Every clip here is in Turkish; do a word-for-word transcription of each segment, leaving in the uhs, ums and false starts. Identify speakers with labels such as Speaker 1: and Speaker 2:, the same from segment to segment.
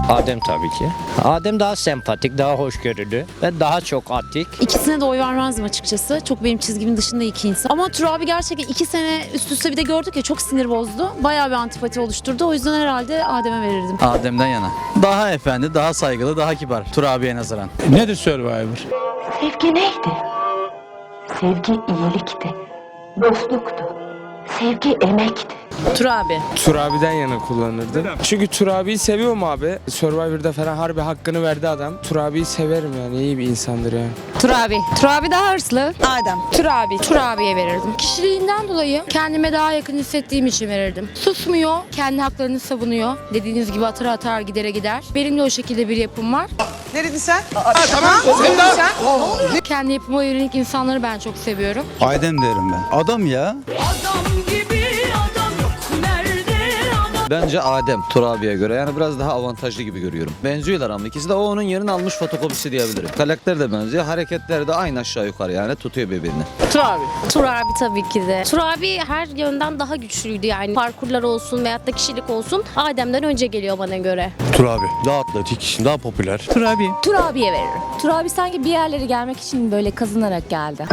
Speaker 1: Adem tabii ki. Adem daha sempatik, daha hoşgörülü ve daha çok atik.
Speaker 2: İkisine de oy vermezdim açıkçası. Çok benim çizgimin dışında iki insan. Ama Turabi gerçekten iki sene üst üste bir de gördük ya, çok sinir bozdu. Bayağı bir antipati oluşturdu. O yüzden herhalde Adem'e verirdim.
Speaker 3: Adem'den yana. Daha efendi, daha saygılı, daha kibar. Turabi'ye nazaran.
Speaker 4: Nedir Survivor?
Speaker 5: Sevgi neydi? Sevgi iyilikti, dostluktu, sevgi emekti.
Speaker 2: Turabi.
Speaker 6: Turabi'den yana kullanırdım. Çünkü Turabi'yi seviyorum abi. Survivor'da falan harbi hakkını verdi adam. Turabi'yi severim yani, iyi bir insandır yani.
Speaker 7: Turabi. Turabi daha hırslı.
Speaker 8: Adem.
Speaker 7: Turabi. Turabi'ye verirdim. Kişiliğinden dolayı kendime daha yakın hissettiğim için verirdim. Susmuyor, kendi haklarını savunuyor. Dediğiniz gibi atar atar gidere gider. Benim de o şekilde bir yapım var.
Speaker 8: Ne dedin sen? Aa, tamam. Ne dedin sen?
Speaker 7: Kendi yapıma yönelik insanları ben çok seviyorum.
Speaker 3: Adem derim ben. Adam ya.
Speaker 9: Bence Adem Turabi'ye göre yani biraz daha avantajlı gibi görüyorum. Benziyorlar ama ikisi de o onun yerini almış fotokopisi diyebilirim. Karakter de benziyor, hareketleri de aynı aşağı yukarı yani tutuyor birbirini.
Speaker 2: Turabi.
Speaker 10: Turabi tabii ki de. Turabi her yönden daha güçlüydü yani. Parkurlar olsun veyahut da kişilik olsun. Adem'den önce geliyor bana göre.
Speaker 4: Turabi. Daha atletik, daha popüler.
Speaker 3: Turabi.
Speaker 10: Turabi'ye veririm.
Speaker 5: Turabi sanki bir yerlere gelmek için böyle kazınarak geldi.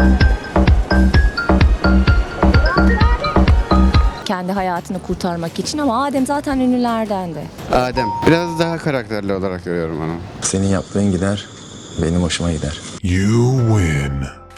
Speaker 5: Kendi hayatını kurtarmak için, ama Adem zaten ünlülerdendi.
Speaker 11: Adem. Biraz daha karakterli olarak görüyorum onu.
Speaker 3: Senin yaptığın gider, benim hoşuma gider.
Speaker 12: You win.